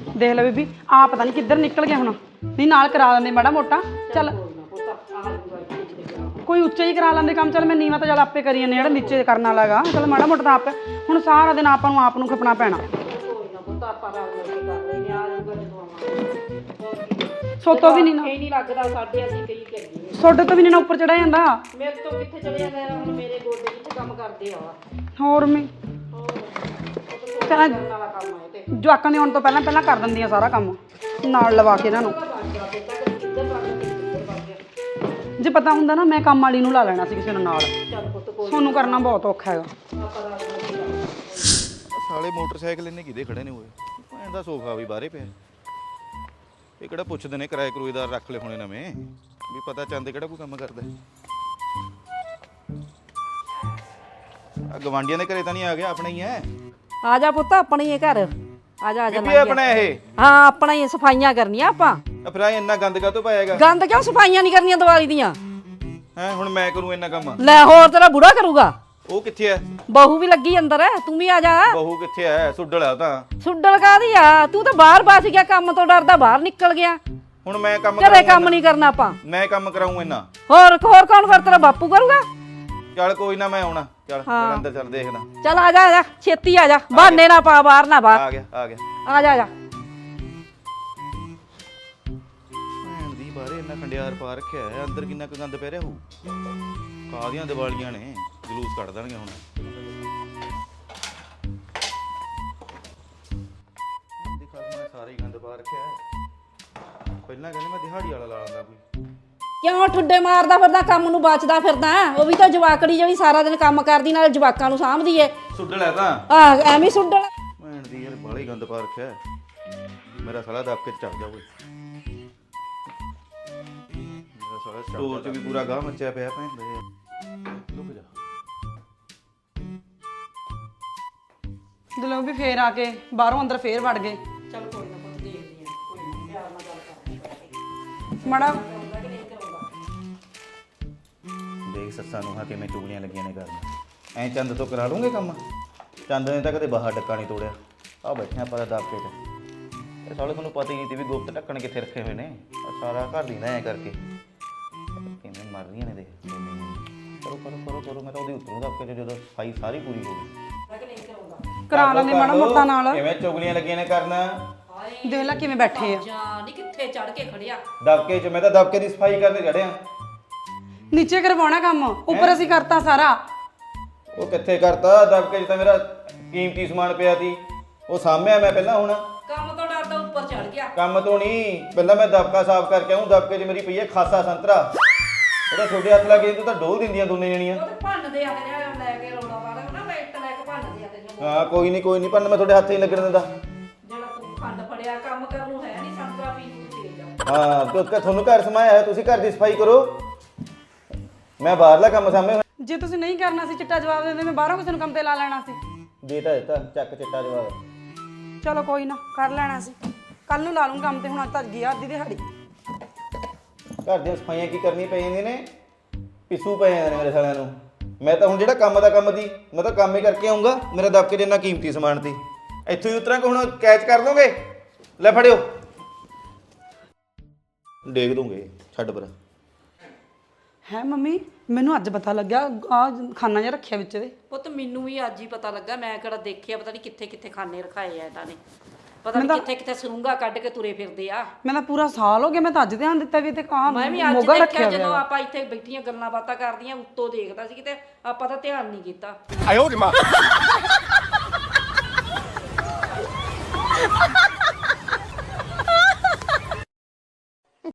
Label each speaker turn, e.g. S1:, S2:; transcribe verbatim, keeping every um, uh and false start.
S1: देख ले बीबी आ पता नहीं किधर निकल गया हुण नहीं नाल करा लेंदे माड़ा मोटा चल कोई उच्चा ही करा लेंदे काम चल मैं नीवा तो चल आपे करी जाने जेड़ा नीचे करना लगा चल माड़ा मोटा आप हुण सारा दिन आपां नूं आप नूं खपना पैना सोतो भी नहीं ना
S2: नहीं लगदा साडे असि कई करिए
S1: सोडे तो भी नहीं ना ऊपर चढ़ा जांदा
S2: मेरे तो किथे चढ़ जांदा हुण मेरे गोडे किथे काम करदे आ
S1: होर मैं चल जवाकां दे आउण तो पहलां पहलां कर दिंदियां सारा काम नाल लवा के इन्हां नूं जे पता हुंदा ना मैं काम वाली नूं ला लेना सी किसे नूं नाल सोनू करना बहुत औखा हैगा
S3: साले मोटरसाइकिल इन्ने किदे खड़े ने होए भैन दा सोफा भी बाहरे पिया ਇਹ ਕਿਹੜਾ ਪੁੱਛਦੇ ਨੇ ਕਿਰਾਏ ਕਰੂਏਦਾਰ ਰੱਖ ਲੈ ਹੋਣੇ ਨਵੇਂ ਵੀ ਪਤਾ ਚੰਦ ਕਿਹੜਾ ਕੋਈ ਕੰਮ ਕਰਦਾ ਆ ਗਵਾਂਡੀਆਂ ਦੇ ਘਰੇ ਤਾਂ ਨਹੀਂ ਆ ਗਿਆ ਆਪਣਾ ਹੀ ਹੈ
S2: ਆ ਜਾ ਪੁੱਤ ਆਪਣਾ ਹੀ ਘਰ ਆ ਜਾ ਆ ਜਾ
S3: ਵੀ ਆਪਣਾ ਇਹ
S2: ਹਾਂ ਆਪਣਾ ਹੀ ਸਫਾਈਆਂ ਕਰਨੀਆਂ ਆਪਾਂ
S3: ਫਿਰ ਆ ਇੰਨਾ ਗੰਦ ਕਾਹਤੋਂ ਪਾਏਗਾ
S2: ਗੰਦ ਕਿਉਂ ਸਫਾਈਆਂ ਨਹੀਂ ਕਰਨੀਆਂ ਦੀਵਾਲੀ ਦੀਆਂ
S3: ਹੈ ਹੁਣ ਮੈਂ ਕਰੂੰ ਇੰਨਾ ਕੰਮ
S2: ਲੈ ਹੋਰ ਤੇਰਾ ਬੁੜਾ ਕਰੂਗਾ
S3: ਉਹ ਕਿੱਥੇ ਹੈ
S2: ਬਹੂ ਵੀ ਲੱਗੀ ਅੰਦਰ ਤੂੰ ਵੀ ਆ ਜਾ
S3: ਬਹੂ ਕਿੱਥੇ ਹੈ ਸੁੱਡਲ ਆ ਤਾਂ
S2: ਸੁੱਡਲ ਕਾਦੀ ਆ ਤੂੰ ਤਾਂ ਬਾਹਰ ਬਸ ਗਿਆ ਕੰਮ ਤੋਂ ਡਰਦਾ ਬਾਹਰ ਨਿਕਲ ਗਿਆ
S3: ਹੁਣ ਮੈਂ ਕੰਮ
S2: ਘਰੇ ਕੰਮ ਨਹੀਂ ਕਰਨਾ ਆਪਾਂ
S3: ਮੈਂ ਕੰਮ ਕਰਾਉਂ ਇੰਨਾ
S2: ਹੋਰ ਹੋਰ ਕੌਣ ਫਿਰ ਤੇਰਾ ਬਾਪੂ ਕਰੂਗਾ
S3: ਚੱਲ ਕੋਈ ਨਾ ਮੈਂ ਆਉਣਾ ਚੱਲ ਚੱਲ ਅੰਦਰ ਚੱਲ ਦੇਖਦਾ
S2: ਚੱਲ ਆ ਜਾ ਆ ਜਾ ਛੇਤੀ ਆ ਜਾ ਬਹਾਨੇ ਨਾ ਪਾ ਬਾਹਰ ਨਾ ਬਾਹਰ
S3: ਆ ਗਿਆ ਆ ਗਿਆ
S2: ਆ ਜਾ ਆ ਜਾ
S3: ਭੈਣ ਦੀ ਬਾਹਰੇ ਇੰਨਾ ਖੰਡਿਆਰ ਪਾ ਰੱਖਿਆ ਹੈ ਅੰਦਰ ਕਿੰਨਾ ਕੁ ਗੰਦ ਪੈ ਰਿਹਾ ਹੋਊ ਕਾਹਦੀਆਂ ਦੀਵਾਲੀਆਂ ਨੇ ਜਲੂਸ ਕੱਢ ਦੇਣਗੇ ਹੁਣ ਦੇਖਾ ਮੈਂ ਸਾਰੇ ਹੀ ਗੰਦ ਪਾ ਰੱਖਿਆ ਪਹਿਲਾਂ ਕਹਿੰਦੇ ਮੈਂ ਦਿਹਾੜੀ ਵਾਲਾ ਲਾ ਲੈਂਦਾ ਕੋਈ
S2: ਕਿਉਂ ਠੁੱਡੇ ਮਾਰਦਾ ਫਿਰਦਾ ਕੰਮ ਨੂੰ ਬਚਦਾ ਫਿਰਦਾ ਉਹ ਵੀ ਤਾਂ ਜਵਾਕੜੀ ਜਿਹੜੀ ਸਾਰਾ ਦਿਨ ਕੰਮ ਕਰਦੀ ਨਾਲ ਜਵਾਕਾਂ ਨੂੰ ਸਾਂਭਦੀ ਏ
S3: ਸੁੱਡਲ ਹੈ ਤਾਂ
S2: ਆ ਐਵੇਂ ਸੁੱਡਲ
S3: ਭੈਣ ਦੀ ਯਾਰ ਬਾਹਲਾ ਹੀ ਗੰਦ ਪਾ ਰੱਖਿਆ ਮੇਰਾ ਸਾਲਾ ਦੱਬ ਕੇ ਚੱਲ ਜਾ ਕੋਈ ਮੇਰਾ ਸਾਲਾ ਸਟੋਰ 'ਚ ਵੀ ਪੂਰਾ ਗਾਹ ਮੱਚਿਆ ਪਿਆ ਭੈਣ ਦੇ ਲੁਕ ਜਾ
S1: ਦਿਲੋਂ ਵੀ ਫੇਰ ਆ ਕੇ ਬਾਹਰੋਂ ਅੰਦਰ ਫੇਰ ਵੜ ਗਏ
S2: ਚੱਲ ਕੋਈ ਨਾ ਕੋਈ ਦੇਖਦੀ ਆ ਕੋਈ ਨਾ ਪਿਆਰ ਨਾਲ ਗੱਲ ਕਰਾਂਗੇ
S1: ਮਾੜਾ
S3: ਦੇਖ ਸੱਸਾਂ ਨੂੰ ਹਾਂ ਕਿਵੇਂ ਚੁਗਲੀਆਂ ਲੱਗੀਆਂ ਨੇ ਕਰਨ ਐਂ ਚੰਦ ਤੋਂ ਕਰਾ ਲੂੰਗੇ ਕੰਮ ਚੰਦ ਨੇ ਤਾਂ ਕਦੇ ਬਾਹਰ ਡੱਕਾ ਨਹੀਂ ਤੋੜਿਆ ਆ ਬੈਠੇ ਆਪਾਂ ਦਾ ਦਾਪੇ ਤੇ ਇਹ ਸਾਲੇ ਮੈਨੂੰ ਪਤਾ ਹੀ ਨਹੀਂ ਸੀ ਵੀ ਗੁਪਤ ਢੱਕਣ ਕਿੱਥੇ ਰੱਖੇ ਹੋਏ ਨੇ ਸਾਰਾ ਘਰ ਦੀ ਨਾ ਐਂ ਕਰਕੇ ਕਿਵੇਂ ਮਰ ਰਹੀਆਂ ਨੇ ਦੇਖ ਕਰੋ ਕਰੋ ਕਰੋ ਕਰੋ ਮੈਂ ਤਾਂ ਉਹਦੀ ਉੱਤਰੋਂ ਦਾਪੇ ਜਦੋਂ ਸਫਾਈ ਸਾਰੀ ਪੂਰੀ ਹੋ ਗਈ
S1: ਕਰਾ ਲੈਂਦੇ ਮਾੜਾ ਮੋਟਾ ਨਾਲ
S3: ਕਿਵੇਂ ਚੁਗਲੀਆਂ ਲੱਗੀਆਂ ਨੇ ਕਰਨ
S1: ਦੇਖ ਲੈ ਕਿਵੇਂ ਬੈਠੇ ਆ
S2: ਜਾਂ ਨਹੀਂ ਕਿੱਥੇ ਚੜ ਕੇ ਖੜਿਆ
S3: ਦਬਕੇ 'ਚ ਮੈਂ ਤਾਂ ਦਬਕੇ ਦੀ ਸਫਾਈ ਕਰਨ ਚੜਿਆ
S1: ਨੀਚੇ ਕਰਵਾਉਣਾ ਕੰਮ ਉੱਪਰ ਅਸੀਂ ਕਰਤਾ ਸਾਰਾ
S3: ਉਹ ਕਿੱਥੇ ਕਰਤਾ ਦਬਕੇ 'ਚ ਤਾਂ ਮੇਰਾ ਕੀਮਤੀ ਸਮਾਨ ਪਿਆ ਸੀ ਉਹ ਸਾਂਭਿਆ ਮੈਂ ਪਹਿਲਾਂ ਹੁਣ
S2: ਕੰਮ ਤੋਂ ਡਰਦਾ ਉੱਪਰ ਚੜ ਗਿਆ
S3: ਕੰਮ ਤੋਂ ਨਹੀਂ ਪਹਿਲਾਂ ਮੈਂ ਦਬਕਾ ਸਾਫ਼ ਕਰਕੇ ਆਉਂ ਦਬਕੇ 'ਚ ਮੇਰੀ ਪਈ ਹੈ ਖਾਸਾ ਸੰਤਰਾ ਉਹਦਾ ਛੋਟੇ ਹੱਥ ਲੱਗੇ ਤੂੰ ਤਾਂ ਡੋਲ ਦਿੰਦੀਆਂ ਦੋਨੇ ਜਣੀਆਂ
S2: ਉਹ ਤੇ ਭੰਨਦੇ ਆ ਤੇ ਲੈ ਕੇ ਰੋੜਾ ਵਾਲਾ ਨਾ ਬੈਠ ਲੈ ਕੇ ਭੰਨਦੇ ਆ ਤੇ
S3: ਹਾਂ ਕੋਈ ਨਹੀਂ ਕੋਈ ਨਹੀਂ ਪਰ ਮੈਂ ਤੁਹਾਡੇ ਹੱਥ ਹੀ ਲੱਗਣ ਦਿੰਦਾ
S2: ਜਿਹੜਾ ਤੂੰ ਖੰਡ ਫੜਿਆ ਕੰਮ ਕਰਨ ਨੂੰ ਹੈ ਨਹੀਂ ਸੰਤਰਾ ਪੀ ਨੂੰ ਦੇ ਜਾ
S3: ਹਾਂ ਕਿਉਂਕਿ ਤੁਹਾਨੂੰ ਘਰ ਸਮਾਇਆ ਹੈ ਤੁਸੀਂ ਘਰ ਦੀ ਸਫਾਈ ਕਰੋ ਮੈਂ ਬਾਹਰਲਾ ਕੰਮ ਸਾਂਭੇ
S1: ਜੇ ਤੁਸੀਂ ਨਹੀਂ ਕਰਨਾ ਸੀ ਚਿੱਟਾ ਜਵਾਬ ਦਿੰਦੇ ਮੈਂ ਬਾਹਰੋਂ ਕਿਸੇ ਨੂੰ ਕੰਮ ਤੇ ਲਾ ਲੈਣਾ ਸੀ
S3: ਦੇਤਾ ਦਿੱਤਾ ਚੱਕ ਚਿੱਟਾ ਜਵਾਬ
S1: ਚਲੋ ਕੋਈ ਨਾ ਕਰ ਲੈਣਾ ਸੀ ਕੱਲ ਨੂੰ ਲਾ ਲੂੰ ਕੰਮ ਤੇ ਹੁਣ ਅੱਜ ਤੱਕ ਗਿਆ ਅੱਧੀ ਦਿਹਾੜੀ
S3: ਘਰ ਦੀਆਂ ਸਫਾਈਆਂ ਕੀ ਕਰਨੀ ਪੈ ਜਾਂਦੀਆਂ ਨੇ ਪਿੱਸੂ ਪੈ ਜਾਂਦੇ ਨੇ ਮੇਰੇ ਸਾਲਿਆਂ ਨੂੰ ਮੈਂ ਤਾਂ ਹੁਣ ਜਿਹੜਾ ਕੰਮ ਦਾ ਕੰਮ ਦੀ ਮੈਂ ਤਾਂ ਕੰਮ ਹੀ ਕਰਕੇ ਆਉਂਗਾ ਮੇਰਾ ਦਬਕੇ ਦੇ ਇੰਨਾ ਕੀਮਤੀ ਸਮਾਨ ਸੀ ਇੱਥੋਂ ਹੀ ਉਤਰਾਂ ਕਿ ਹੁਣ ਕੈਚ ਕਰ ਦੋਗੇ ਲੈ ਫੜਿਓ ਡੇਗ ਦੋਗੇ ਛੱਡ ਪਰ
S1: ਹੈ ਮੰਮੀ ਮੈਨੂੰ ਅੱਜ ਪਤਾ ਲੱਗਿਆ ਆ ਖਾਨਾ ਜਿਹਾ ਰੱਖਿਆ ਵਿੱਚ ਦੇ
S2: ਪੁੱਤ ਮੈਨੂੰ ਵੀ ਅੱਜ ਹੀ ਪਤਾ ਲੱਗਾ ਮੈਂ ਕਿਹੜਾ ਦੇਖਿਆ ਪਤਾ ਨਹੀਂ ਕਿੱਥੇ ਕਿੱਥੇ ਖਾਨੇ ਰਖਾਏ ਆ ਇਹਨਾਂ ਨੇ ਪਤਾ ਨਹੀਂ ਕਿੱਥੇ ਕਿੱਥੇ ਸਰੂੰਗਾ ਕੱਢ ਕੇ ਤੁਰੇ ਫਿਰਦੇ ਆ
S1: ਮੈਂ ਤਾਂ ਪੂਰਾ ਸਾਲ ਹੋ ਗਿਆ ਮੈਂ ਤਾਂ ਅੱਜ ਧਿਆਨ ਦਿੱਤਾ ਵੀ ਤੇ ਕਾਂ
S2: ਮੈਂ ਵੀ ਅੱਜ ਦੇਖਿਆ ਜਦੋਂ ਆਪਾਂ ਇੱਥੇ ਬੈਠੀਆਂ ਗੱਲਾਂ ਬਾਤਾਂ ਕਰਦੀਆਂ ਉੱਤੋਂ ਦੇਖਦਾ ਸੀ ਕਿਤੇ ਆਪਾਂ ਤਾਂ ਧਿਆਨ ਨਹੀਂ ਕੀਤਾ
S4: ਆਇਓ ਰੇ ਮਾਂ